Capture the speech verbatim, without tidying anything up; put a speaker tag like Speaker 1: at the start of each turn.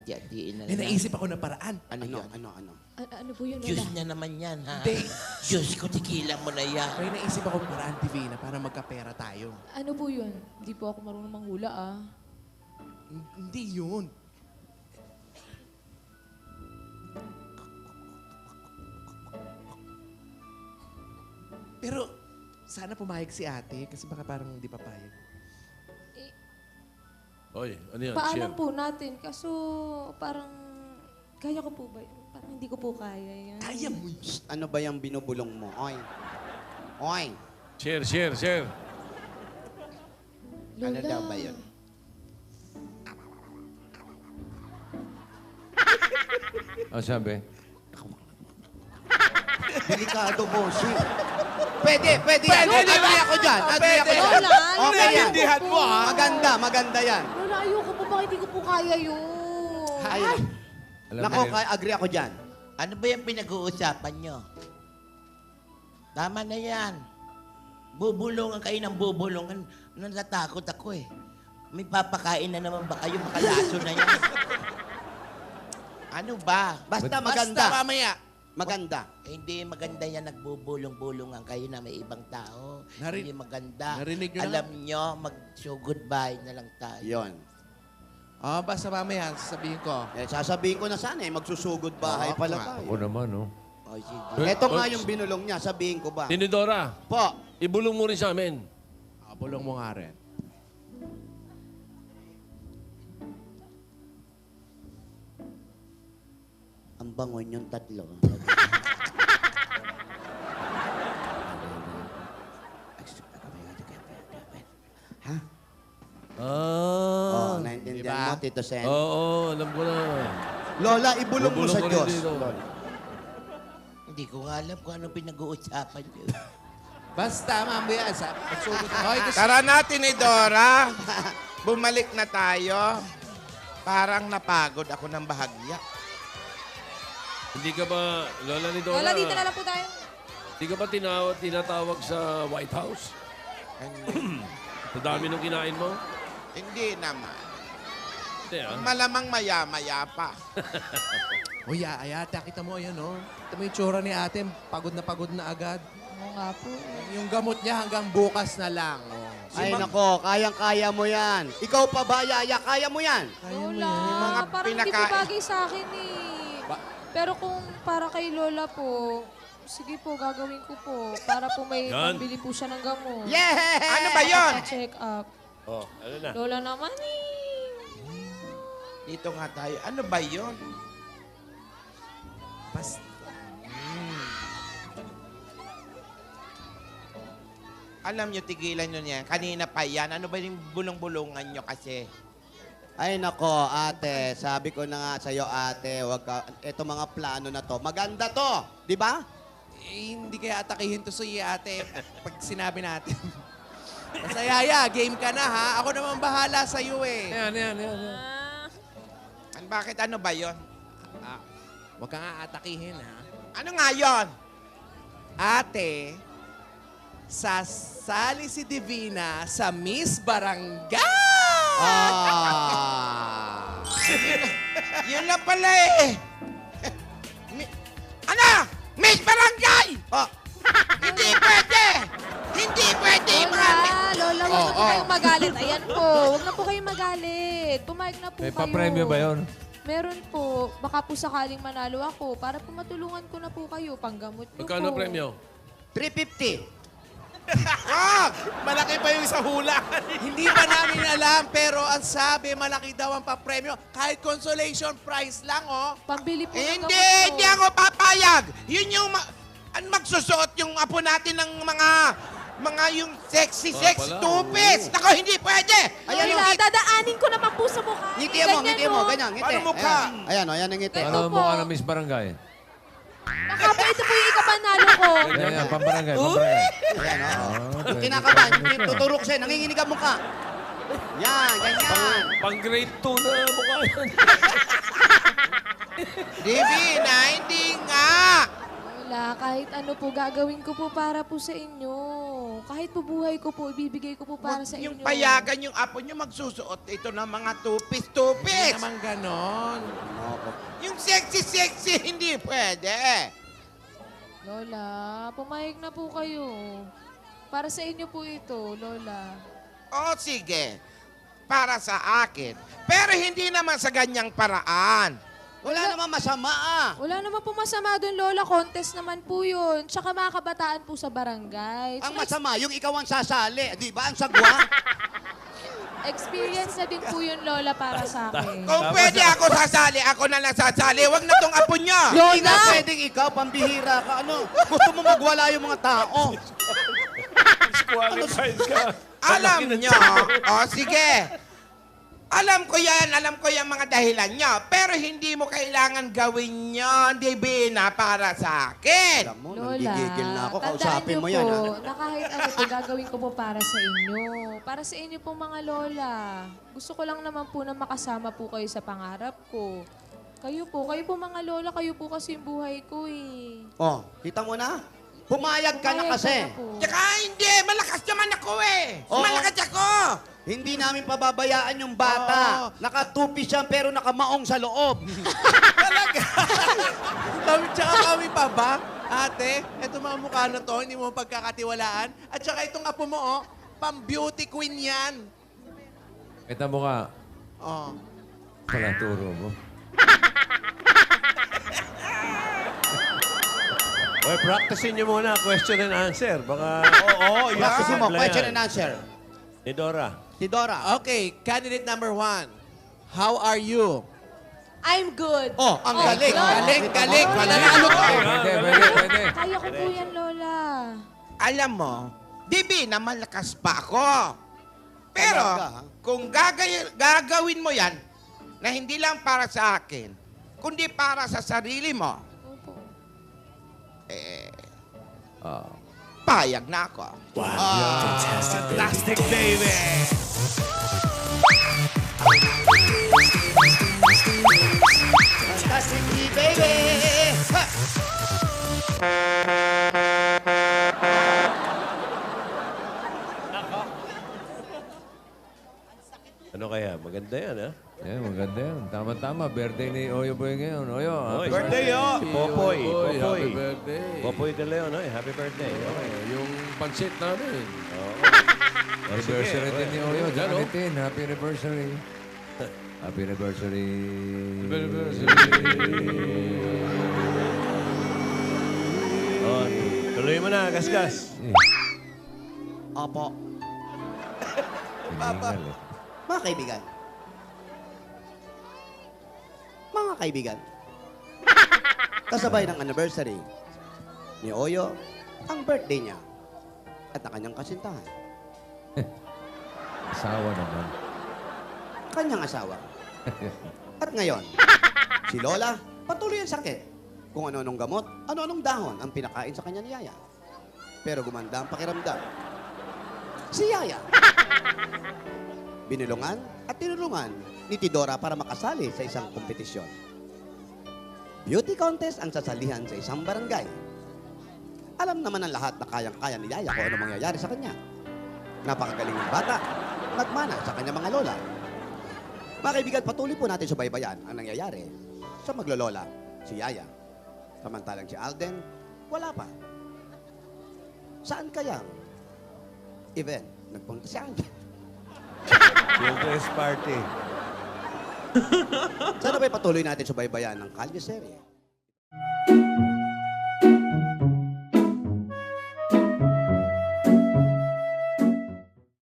Speaker 1: Diyan na
Speaker 2: May
Speaker 1: lang.
Speaker 2: naisip ako na paraan.
Speaker 1: Ano,
Speaker 3: Ano,
Speaker 1: yun?
Speaker 3: ano, ano?
Speaker 4: A- ano po yun,
Speaker 1: Diyos
Speaker 4: Lola?
Speaker 1: na naman yan, ha?
Speaker 2: Hindi.
Speaker 1: Diyos ko, tigilan mo na yan.
Speaker 2: May naisip ako paraan, Divina, para magkapera tayo.
Speaker 4: Ano po yun? Hindi po ako marunong manghula, ah.
Speaker 2: H- Hindi yun. Pero, sana pumayag si ate kasi baka parang hindi papayag.
Speaker 4: Eh,
Speaker 5: Oy, ano yan?
Speaker 4: paalam
Speaker 5: Share.
Speaker 4: po natin. Kaso, parang, kaya ko po ba yun? Parang hindi ko po kaya yan.
Speaker 2: Kaya mo yun.
Speaker 3: Psst, ano ba yung binubulong mo? Oy. Oy.
Speaker 5: Share, share, share.
Speaker 3: Ano
Speaker 4: Lola.
Speaker 3: daw ba yun?
Speaker 5: Ano sabi?
Speaker 3: Delikado, bossing. Pwede, pwede yan.
Speaker 2: Pwede, di ba?
Speaker 3: Agree ako dyan. Agree ako dyan.
Speaker 4: Lola,
Speaker 3: Okay yan.
Speaker 2: Naiintindihan mo, ha?
Speaker 3: Maganda, maganda yan.
Speaker 4: Lola, ayoko po. Bakit hindi ko po kaya yun?
Speaker 3: Ayun.
Speaker 5: Alam
Speaker 3: Nako,
Speaker 5: mo,
Speaker 3: kaya agree ako dyan.
Speaker 1: Ano ba yung pinag-uusapan nyo? Tama na yan. Bubulungan kayo ng bubulungan. Natatakot ako eh. May papakain na naman ba kayo? Makalaso na yan. Ano ba?
Speaker 3: Basta
Speaker 2: Basta
Speaker 3: maganda.
Speaker 2: mamaya.
Speaker 3: Maganda.
Speaker 1: Eh, hindi maganda yan, nagbubulong-bulungan kayo na may ibang tao.
Speaker 2: Nari-
Speaker 1: hindi maganda.
Speaker 2: narinig nyo na
Speaker 1: Alam nyo, mag-show goodbye na lang tayo.
Speaker 3: Yon.
Speaker 2: Oh, basta mamaya, sasabihin ko.
Speaker 3: Eh, sasabihin ko na sana eh, magsusugod bahay
Speaker 2: Oo,
Speaker 3: pala
Speaker 2: nga.
Speaker 3: tayo.
Speaker 5: ako naman, no?
Speaker 1: O, sige.
Speaker 3: Ito nga yung binulong niya, sabihin ko ba?
Speaker 5: Tinidora,
Speaker 3: Po,
Speaker 5: ibulong mo rin sa amin.
Speaker 2: Ah, bulong mo nga rin.
Speaker 3: ang bangon yung tatlo. Ha? Oh,
Speaker 5: Ah.
Speaker 3: naintindihan
Speaker 2: Diba?
Speaker 3: mo, Tito Sen?
Speaker 5: Oo, alam ko na.
Speaker 3: Lola, ibulong mo
Speaker 5: Bubulong
Speaker 3: sa
Speaker 5: ko rin
Speaker 3: Diyos.
Speaker 5: dito.
Speaker 3: Lola.
Speaker 1: Hindi ko nga alam kung anong pinag-uusapan nyo.
Speaker 2: Basta mamaya, sa pagsugod mo. Okay, gusto-
Speaker 6: Tara natin ni Dora. Bumalik na tayo. Parang napagod ako ng bahagya.
Speaker 5: Hindi ka ba, Lola ni Dora?
Speaker 4: Lola, dito na lang po tayo.
Speaker 5: Hindi ka ba tinawag, tinatawag sa White House?
Speaker 6: Hindi,
Speaker 5: Sa dami nung kinain mo?
Speaker 6: hindi naman.
Speaker 5: Hindi, ah.
Speaker 6: Malamang maya-maya pa.
Speaker 2: O ya, ay ate, kita mo, ayan, oh. Kita mo yung tsura ni ate, pagod na pagod na agad.
Speaker 4: Oo nga po.
Speaker 2: Yung gamot niya hanggang bukas na lang. Oh.
Speaker 3: Ay, nako, kayang-kaya mo yan. Ikaw pa ba, Yaya? Kaya mo yan.
Speaker 2: Kaya mo
Speaker 4: Lola,
Speaker 2: yan.
Speaker 6: mga
Speaker 4: parang hindi po
Speaker 6: pinakain.
Speaker 4: bagay sa akin eh. Pero kung para kay Lola po, sige po, gagawin ko po. Para po may
Speaker 5: Yan.
Speaker 4: pambili po siya ng gamot.
Speaker 3: Yeah!
Speaker 6: Ano ba yon?
Speaker 4: Check up.
Speaker 5: Oh, ano na?
Speaker 4: Lola naman eh.
Speaker 6: Dito nga tayo. Ano ba yon?
Speaker 2: Basta.
Speaker 6: Alam nyo, tigilan nyo niya. Kanina pa yan. Ano ba yung bulong-bulungan nyo kasi?
Speaker 3: Ay, nako, ate. Sabi ko na nga sa'yo, ate, wag ka, eto mga plano na to. Maganda to, di ba?
Speaker 2: Eh, hindi kaya atakihin to sa iyo, ate, pag sinabi natin. Basta, Yaya, game ka na, ha? Ako naman bahala sa iyo, eh.
Speaker 5: Ayan, ayan, ayan. ayan.
Speaker 4: Ah,
Speaker 6: An, bakit ano ba yon?
Speaker 2: Ah, huwag ka nga atakihin, ha?
Speaker 6: Ano nga yon?
Speaker 2: Ate, sasali si Divina sa Miss Barangay!
Speaker 3: Ah!
Speaker 6: Yun lang pala eh. Mi- ano? Miss Barangay!
Speaker 3: Oh,
Speaker 6: Hindi pwede! Hindi pwede!
Speaker 4: Lola, Lola, huwag
Speaker 2: Oh,
Speaker 4: na po
Speaker 2: oh.
Speaker 4: kayong magalit. Ayan po, huwag na po kayong magalit. Pumayag na po
Speaker 5: May
Speaker 4: kayo.
Speaker 5: pa-premyo ba yun?
Speaker 4: Meron po. Baka po sakaling manalo ako para po matulungan ko na po kayo. Panggamot niyo
Speaker 5: Magkano
Speaker 4: po.
Speaker 5: premyo?
Speaker 3: three fifty.
Speaker 6: Wag! Malaki pa yung sa hula.
Speaker 2: Hindi pa namin alam, pero ang sabi, malaki daw ang papremyo. Kahit consolation prize lang, oh.
Speaker 4: Pambili po ng
Speaker 6: Hindi,
Speaker 4: gamot ko.
Speaker 6: hindi ako papayag. Yun yung ma- an magsusuot yung apo natin ng mga mga yung sexy
Speaker 5: Ah,
Speaker 6: sex
Speaker 5: pala,
Speaker 6: two-piece. Nako, hindi pwede.
Speaker 3: Ayan,
Speaker 4: Lola,
Speaker 3: yung-
Speaker 4: dadaanin ko naman po sa mukha.
Speaker 3: Ngiti mo, ngiti mo,
Speaker 4: oh.
Speaker 3: ganyan, ngiti.
Speaker 6: Paano mukha?
Speaker 3: Ayan, ayan, oh, ayan ang ngiti.
Speaker 4: Ito
Speaker 5: Ano
Speaker 4: po.
Speaker 5: mo ka ng Miss Barangay?
Speaker 4: Baka po ito po yung ikapanalo ko.
Speaker 5: Yan, yan, pambarangay, pambarangay.
Speaker 3: Ayan, oh.
Speaker 5: Oh, pwede.
Speaker 3: Kinakabahan, tuturok siya, nanginginig ang mukha. Yan, ganyan.
Speaker 5: Pang grade two na mukha yan.
Speaker 6: Divina, hindi nga.
Speaker 4: Lola, kahit ano po gagawin ko po para po sa inyo. kahit po buhay ko po, ibibigay ko po para
Speaker 6: Huwag
Speaker 4: sa
Speaker 6: yung
Speaker 4: inyo.
Speaker 6: payagan yung apo nyo magsusuot ito ng mga
Speaker 2: Hindi
Speaker 6: tupis-tupis.
Speaker 2: naman ganon.
Speaker 6: Yung sexy-sexy, hindi pwede.
Speaker 4: Lola, pumayag na po kayo. Para sa inyo po ito, Lola.
Speaker 6: O sige, para sa akin. Pero hindi naman sa ganyang paraan.
Speaker 3: Wala naman masama ah.
Speaker 4: Wala naman po masama doon, Lola. Contest naman po yun. Tsaka mga kabataan po sa barangay.
Speaker 3: Ang
Speaker 4: Tsaka
Speaker 3: masama, yung ikaw ang sasali. Di ba? Ang sagwa.
Speaker 4: experience na din po yun, Lola, para sa akin.
Speaker 6: Kung pwede ako sasali, ako na lang sasali. Huwag na tong apo niya.
Speaker 3: Hindi na pwedeng ikaw, pambihira ka. Ano? Gusto mo magwala yung mga tao.
Speaker 5: Disqualified ka.
Speaker 6: Alam nyo. O sige. Alam ko yan, alam ko yung mga dahilan nyo. Pero hindi mo kailangan gawin yun, Divina, para sa akin.
Speaker 3: Alam mo,
Speaker 4: Lola,
Speaker 3: nanggigigil na ako.
Speaker 4: tandaan
Speaker 3: Kausapin
Speaker 4: niyo
Speaker 3: mo yan.
Speaker 4: po
Speaker 3: Ha?
Speaker 4: na kahit ano po gagawin ko po para sa inyo. Para sa inyo po mga Lola. Gusto ko lang naman po na makasama po kayo sa pangarap ko. Kayo po, kayo po mga Lola, kayo po kasi yung buhay ko eh.
Speaker 3: Oh, kita mo na? Pumayag ka na
Speaker 4: Pumayag
Speaker 3: kasi.
Speaker 4: na po.
Speaker 6: Tsaka hindi, malakas naman ako eh.
Speaker 3: Oo.
Speaker 6: Malakas ako.
Speaker 3: Hindi namin pababayaan yung bata.
Speaker 2: Oo.
Speaker 3: Nakatupi siya pero nakamaong sa loob.
Speaker 2: Kami, tsaka kami pa ba? Ate, eto mga mukha na to, hindi mo pagkakatiwalaan. At tsaka itong apo mo, oh, pang-beauty queen yan.
Speaker 5: Kita mo ka.
Speaker 2: Oh.
Speaker 5: Pala turo mo. Oy, practicein niyo muna. Question and answer. Baka...
Speaker 3: Oo,
Speaker 5: yan.
Speaker 3: Practice mo,
Speaker 5: Simple
Speaker 3: question
Speaker 5: yan.
Speaker 3: and answer.
Speaker 5: Ni Dora.
Speaker 3: Si Dora.
Speaker 2: Okay, candidate number one. How are you?
Speaker 4: I'm good.
Speaker 3: Oh, ang
Speaker 4: Oh,
Speaker 3: galing.
Speaker 4: Lola.
Speaker 2: Galing, galing. Mananalo to.
Speaker 5: Pwede, pwede, pwede.
Speaker 4: Kaya ko po yan, Lola.
Speaker 6: Alam mo, Divina, malakas pa ako. Pero,
Speaker 3: Talaga, ha?
Speaker 6: kung gagay- gagawin mo yan, na hindi lang para sa akin, kundi para sa sarili mo,
Speaker 4: Opo.
Speaker 6: eh,
Speaker 5: Ah.
Speaker 6: payag na ako.
Speaker 5: Fantastic, baby!
Speaker 3: Fantastic baby! Ha!
Speaker 5: Ano kaya? Maganda yan, ha?
Speaker 7: Yeah, maganda yan. Tama-tama. Birthday ni Oyo Boy ngayon. Oyo, happy
Speaker 5: birthday, oh! Si Popoy, Popoy.
Speaker 7: Happy birthday.
Speaker 5: Popoy de Leon, ay, happy birthday. Okay.
Speaker 7: Yung pansit namin.
Speaker 5: Oo.
Speaker 7: Anniversary
Speaker 5: Sige,
Speaker 7: din ni
Speaker 5: okay.
Speaker 7: Oyo.
Speaker 5: Yan, oh.
Speaker 7: Janitin, happy anniversary. Happy anniversary. Happy anniversary.
Speaker 5: Oh, tuloy mo na, gasgas.
Speaker 3: Opo.
Speaker 7: Hiningal eh.
Speaker 3: Mga kaibigan. Mga kaibigan. Kasabay ng anniversary ni Oyo, ang birthday niya at ang kanyang kasintahan.
Speaker 7: Asawa naman.
Speaker 3: Kanyang asawa. At ngayon, si Lola, patuloy ang sakit. Kung ano-anong gamot, ano-anong dahon ang pinakain sa kanya ni Yaya. Pero gumanda ang pakiramdam. Si Yaya, binulungan at tinulungan ni Tidora para makasali sa isang kompetisyon. Beauty contest ang sasalihan sa isang barangay. Alam naman ng lahat na kayang-kaya ni Yaya kung ano mangyayari sa kanya. Napakagaling ng bata, nagmana sa kanya mga lola. Mga kaibigan, patuloy po natin subaybayan ang nangyayari sa maglolola, si Yaya. Samantalang si Alden, wala pa. Saan kaya event nagpunta si Alden?
Speaker 5: Children's party.
Speaker 3: Sana ba'y patuloy natin subaybayan ng Kalye Serye?